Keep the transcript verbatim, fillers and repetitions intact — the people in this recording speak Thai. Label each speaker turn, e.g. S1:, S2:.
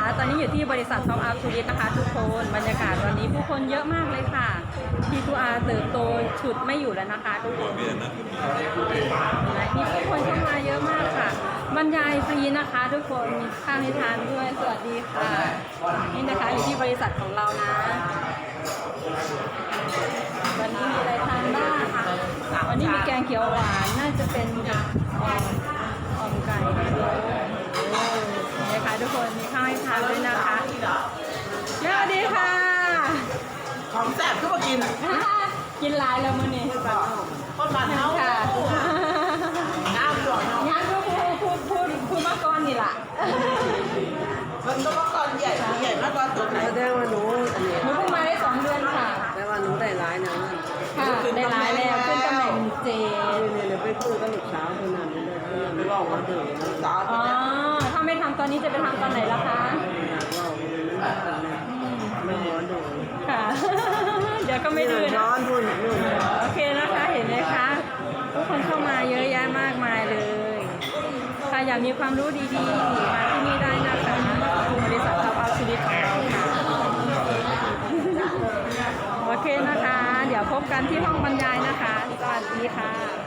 S1: ตอนนี้อยู่ที่บริษัทท็อปอัพทูริสนะคะทุกคนบรรยากาศวันนี้ผู้คนเยอะมากเลยค่ะทีทูอาร์เติบโตฉุดไม่อยู่แล้วนะคะทุกคนมีผู้คนเข้ามาเยอะมากค่ะบรรยายฟรีนะคะทุกคนมีข้าวให้ทานด้วยสวัสดีค่ะนี่นะคะอยู่ที่บริษัทของเรานะวันนี้มีอะไรทานบ้างวันนี้มีแกงเขียวหวานน่าจะเป็นอ่อมอ่อมไก่นี่ค่ะทุกคนมีข้าวให้ทานด้วยนะคะสวัสดีค่ะ
S2: ของแซ่บก็มากิน
S1: กินหลายแล้วมื้อนี้
S2: คนบ้านเฮา
S1: ค่ะ
S2: น้ำหยอด
S1: งานก็พูดพูดพูดพูดมาก่อนนี่ล่ะ
S2: มันก็มาก่อนใหญ่ใหญ่มากก่อนตัวไหน
S3: แสดงว่าหนู
S1: หนูเพิ่งมาได้สองเดือนค่ะ
S3: แปลว่าหนูได้ร้ายนะ
S1: ค่ะได้ร้ายแล้วขึ้นตำแหน่งเจ
S3: เนี่ยเนี่ยไปคุยกับลูกสาวคนนั้นเลยไปบอกว่าเดือดสาว
S1: อ๋อถ้าไม่ทำตอนนี้จะไปทำตอนไหนล่ะคะ
S3: ไม่ร้อนดู
S1: ค่ะเดี๋ยวก็ไม่ดื้อนะ
S3: ร้อนพูดนู่น
S1: โอเคนะคะเห็นไหมคะทุกคนเข้ามาเยอะแยะมากมายเลยใครอยากมีความรู้ดีๆมาที่นี่ได้นะคะบริษัทท็อปอัพชีวิตของเราค่ะโอเคนะคะเดี๋ยวพบกันที่ห้องบรรยายนะคะสวัสดีค่ะ